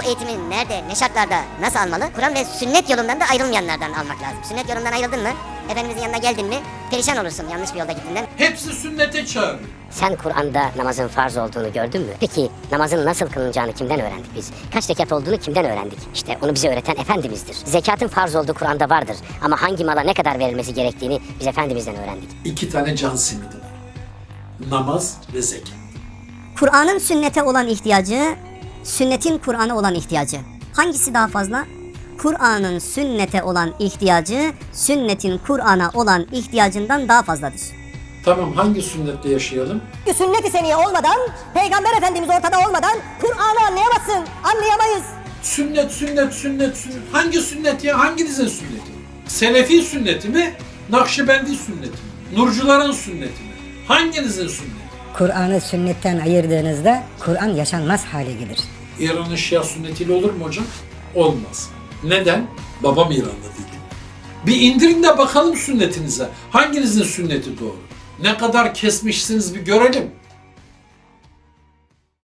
eğitimi nerede, ne şartlarda, nasıl almalı? Kur'an ve sünnet yolundan da ayrılmayanlardan almak lazım. Sünnet yolundan ayrıldın mı, Efendimizin yanına geldin mi perişan olursun yanlış bir yolda gittiğinden. Hepsi sünnete çağırıyor. Sen Kur'an'da namazın farz olduğunu gördün mü? Peki namazın nasıl kılınacağını kimden öğrendik biz? Kaç rekat olduğunu kimden öğrendik? İşte onu bize öğreten Efendimiz'dir. Zekatın farz olduğu Kur'an'da vardır. Ama hangi mala ne kadar verilmesi gerektiğini biz Efendimiz'den öğrendik. 2 tane can simidi var. Namaz ve zekat. Kur'an'ın sünnete olan ihtiyacı, sünnetin Kur'an'a olan ihtiyacı. Hangisi daha fazla? Kur'an'ın sünnete olan ihtiyacı, sünnetin Kur'an'a olan ihtiyacından daha fazladır. Tamam, hangi sünnette yaşayalım? Sünnet-i seniye olmadan, Peygamber Efendimiz ortada olmadan Kur'an'ı anlayamazsın, anlayamayız. Sünnet, sünnet, sünnet, sünnet. Hangi sünnet ya? Hanginizin sünneti? Selefi sünneti mi? Nakşibendi sünneti mi? Nurcuların sünneti mi? Hanginizin sünneti? Kur'an'ı sünnetten ayırdığınızda Kur'an yaşanmaz hale gelir. İran'ın Şia sünnetiyle olur mu hocam? Olmaz. Neden? Babam İranlı değil. Bir indirin de bakalım sünnetinize. Hanginizin sünneti doğru? Ne kadar kesmişsiniz bir görelim.